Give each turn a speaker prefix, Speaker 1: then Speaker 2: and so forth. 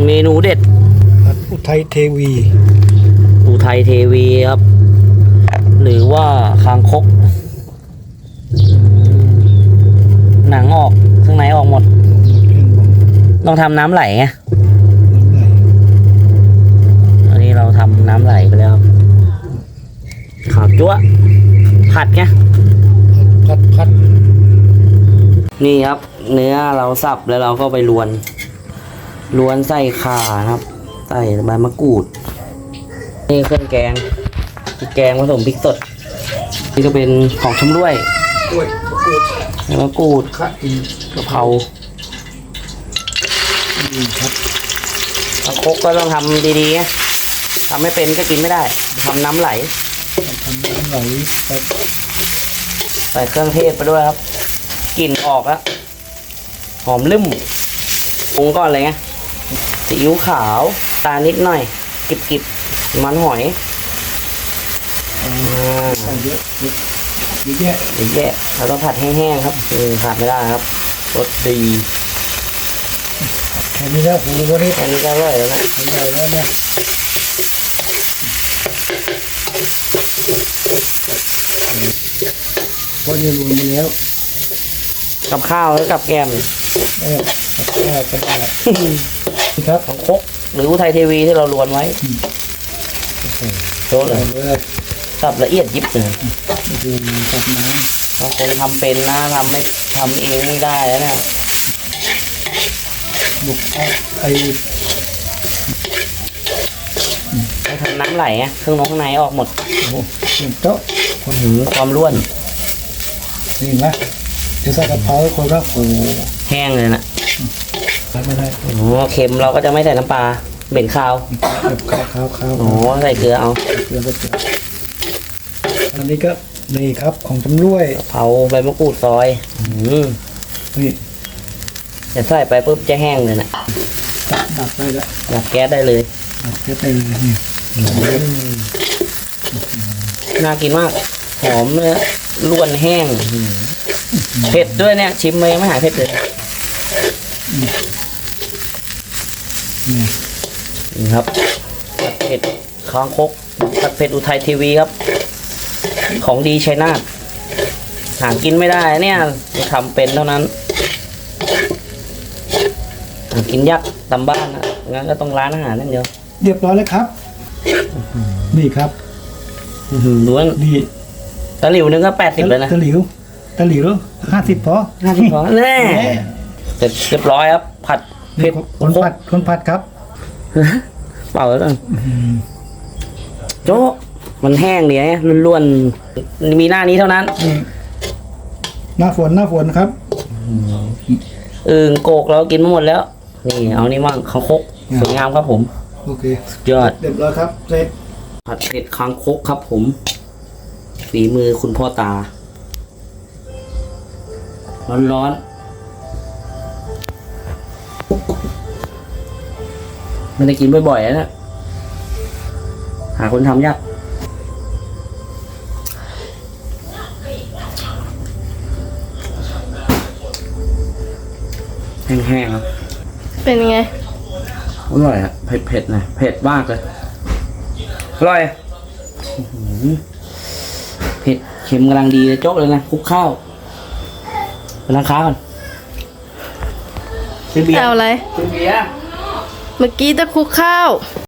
Speaker 1: เมนูเด็ด
Speaker 2: อุทัยเทวี
Speaker 1: อุทัยเทวีครับหรือว่าคางคกหนังออกข้างในออกหมดต้องทำน้ำไหลไงอันนี้เราทำน้ำไหลไปแล้วครับขาวจั๊วผัดไง
Speaker 2: พัด
Speaker 1: นี่ครับเนื้อเราสับแล้วเราก็ไปลวนใส่ข่าครับใส่ใบมะกรูดนี่เครื่องแกงพริกแกงผสมพริกสดนี่ก็เป็นของชำร่วยใบมะกรูดกะเพราคางคกก็ต้องทำดีๆนะทำไม่เป็นก็กินไม่ได้ทำน้ำไหลใส่เครื่องเทศไปด้วยครับกลิ่นออกแล้วหอมลืมปรุงก่อนเลยไงซีอิ๊วขาวตานิดหน่อยกิบมันหอย
Speaker 2: เยอะ
Speaker 1: แยะเราต้องผัดแห้งๆครับขาดไม่ได้ครับรสดี
Speaker 2: แค่นี้แล้วโหวันนี้
Speaker 1: แค่นี้ก็อร่อยแล้วนะ
Speaker 2: อร่อยแล้วเนี่ยก็จะรวมไปแล้ว
Speaker 1: กับข้าวแล้วกับแกม
Speaker 2: กับข้าวก็ได้ครับ
Speaker 1: ของคกหรืออุทัยเทวีที่เราลวนไว้โชว์เลยสับละเอียดยิบเลย
Speaker 2: ตักน้
Speaker 1: บางคนทำเป็นนะทำเองไม่ได้แล้วเนี่ย
Speaker 2: บุก
Speaker 1: ไปทำน้ำไหลอ่ะเครื่องข้างในออกหมด
Speaker 2: โอ้โต๊ะ
Speaker 1: ความร่วน
Speaker 2: นี่ไหมจะใส่กะเพราคนก็โอ้
Speaker 1: แห้งเลยนะ
Speaker 2: ไม่ได้
Speaker 1: โอ้เค็มเราก็จะไม่ใส่น้ำปลาเหม็นข้าวโอ้ใส่เกลือเอา
Speaker 2: เกลืออันนี้ก็นี่ครับของจำรวย
Speaker 1: เผาใบมะกรูดซอย
Speaker 2: นี่
Speaker 1: จะใส่ไปปุ๊บจะแห้งเลยนะ
Speaker 2: ดับได้แล้ว
Speaker 1: ดับแก๊สได้เลย
Speaker 2: ดับแก๊สได้เลยนี่
Speaker 1: น่ากินมากหอมเนื้อล้วนแห้งเผ็ดด้วยเนี่ยชิมเลยไม่หายเผ็ดเลยนี่ครับผัดเผ็ดคางคกผัดเผ็ดอุทัยทีวีครับของดีชัยนาทหากินไม่ได้เนี่ยทำเป็นเท่านั้นหากินยากตามบ้านนะงั้นก็ต้องร้านอาหารนั่นเดียว
Speaker 2: เรียบร้อยแล้วครับนี่ครับ
Speaker 1: ดูว่า
Speaker 2: นี่
Speaker 1: ตะหลิวนึงก็80เลยนะ
Speaker 2: ตะหลิว50พอ
Speaker 1: แน่เสร็จเรียบร้อยครับผัดเผ็ด
Speaker 2: คนผัดครับ
Speaker 1: เปล่าแล้วกันโจ๊มันแห้งเนี่ยล้วนๆมีหน้านี้เท่านั้น
Speaker 2: หน้าฝนครับ
Speaker 1: โกกเรากินมาหมดแล้วนี่เอานี่มั่งคางคกสวยงามครับผม
Speaker 2: โอเค
Speaker 1: ยอด
Speaker 2: เรียบร้อยครับเสร็จ
Speaker 1: ผัดเผ็ดคางคกครับผมฝีมือคุณพ่อตาร้อนไม่ได้กินบ่อยๆนะหาคนทำยากแห้งๆครับ
Speaker 3: เป็นไง
Speaker 1: อร่อยอ่ะเผ็ดๆนะเผ็ดมากเลยอร่อยเผ็ดเค็มกำลังดีเลยโจ๊กเลยนะคลุกข้าวไปร้านค้าก่อน
Speaker 3: เอาอะไร
Speaker 1: ซื้อเบียร์
Speaker 3: เมื่อกี้จะคลุกข้าว